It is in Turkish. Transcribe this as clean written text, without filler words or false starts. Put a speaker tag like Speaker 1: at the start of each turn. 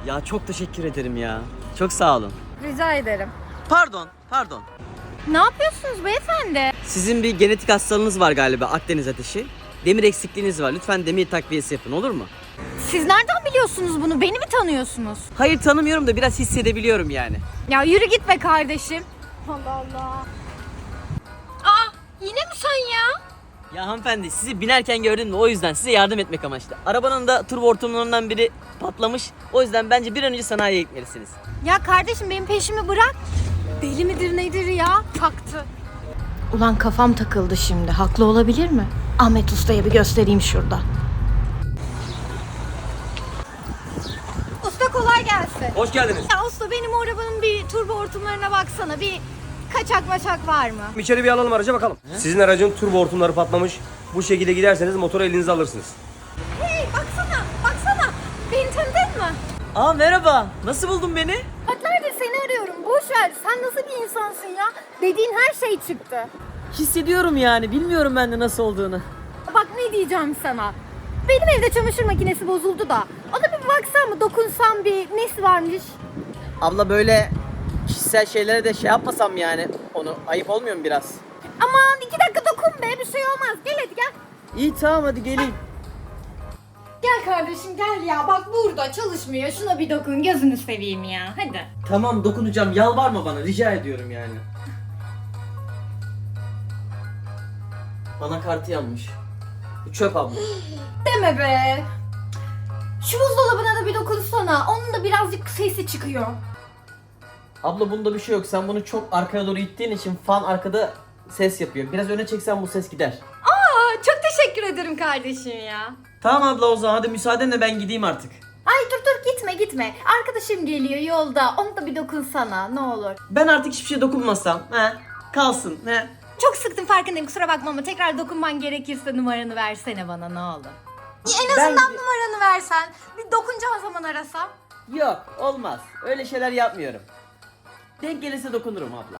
Speaker 1: Ya çok teşekkür ederim ya. Çok sağ olun.
Speaker 2: Rica ederim.
Speaker 1: Pardon.
Speaker 2: Ne yapıyorsunuz beyefendi?
Speaker 1: Sizin bir genetik hastalığınız var galiba, Akdeniz ateşi. Demir eksikliğiniz var. Lütfen demir takviyesi yapın, olur mu?
Speaker 2: Siz nereden biliyorsunuz bunu? Beni mi tanıyorsunuz?
Speaker 1: Hayır, tanımıyorum da biraz hissedebiliyorum yani.
Speaker 2: Ya yürü git be kardeşim. Allah Allah. Aa, yine mi sen ya?
Speaker 1: Ya hanımefendi, sizi binerken gördüm de o yüzden size yardım etmek amaçlı. Arabanın da turbo hortumlarından biri patlamış. O yüzden bence bir an önce sanayiye gitmelisiniz.
Speaker 2: Ya kardeşim benim peşimi bırak. Deli midir nedir ya? Taktı. Ulan kafam takıldı şimdi. Haklı olabilir mi? Ahmet Usta'ya bir göstereyim şurada. Usta kolay gelsin.
Speaker 3: Hoş geldiniz.
Speaker 2: Ya usta benim o arabanın bir turbo hortumlarına baksana. Bir kaçak maçak var mı?
Speaker 3: İçeri bir alalım araca bakalım. Sizin aracın turbo hortumları patlamış. Bu şekilde giderseniz motoru elinize alırsınız.
Speaker 2: Hey baksana. Beni tanıdın mı?
Speaker 1: Aa merhaba. Nasıl buldun beni?
Speaker 2: Saatlerdir seni arıyorum. Boş ver. Sen nasıl bir insansın ya? Dediğin her şey çıktı.
Speaker 1: Hissediyorum yani. Bilmiyorum ben de nasıl olduğunu.
Speaker 2: Bak ne diyeceğim sana. Benim evde çamaşır makinesi bozuldu da. Ona bir baksan mı, dokunsam bir nesi varmış?
Speaker 1: Abla böyle kişisel şeylere de şey yapmasam yani. Onu ayıp olmuyor mu biraz?
Speaker 2: Aman 2 dakika dokun be, bir şey olmaz. Gel hadi gel.
Speaker 1: İyi tamam, hadi geleyim.
Speaker 2: Gel kardeşim gel ya. Bak burada çalışmıyor. Şuna bir dokun, gözünü seveyim ya. Hadi.
Speaker 1: Tamam, dokunacağım. Yalvarma bana. Rica ediyorum yani. Bana kartı yanmış. Bu çöp abla.
Speaker 2: Deme be. Şu buzdolabına da bir dokunsana. Onun da birazcık sesi çıkıyor.
Speaker 1: Abla bunda bir şey yok. Sen bunu çok arkaya doğru ittiğin için fan arkada ses yapıyor. Biraz öne çeksen bu ses gider.
Speaker 2: Aa, çok teşekkür ederim kardeşim ya.
Speaker 1: Tamam abla, o zaman hadi müsaadenle ben gideyim artık.
Speaker 2: Ay dur gitme. Arkadaşım geliyor yolda. Onu da bir dokunsana ne olur.
Speaker 1: Ben artık hiçbir şey dokunmasam. Kalsın.
Speaker 2: Çok sıktım farkındayım, kusura bakma ama tekrar dokunman gerekirse numaranı versene bana ne olur. En
Speaker 1: Ben-
Speaker 2: azından numaranı versen. Bir dokunacağım zaman arasam.
Speaker 1: Yok, olmaz. Öyle şeyler yapmıyorum. Denk gelirse dokunurum abla.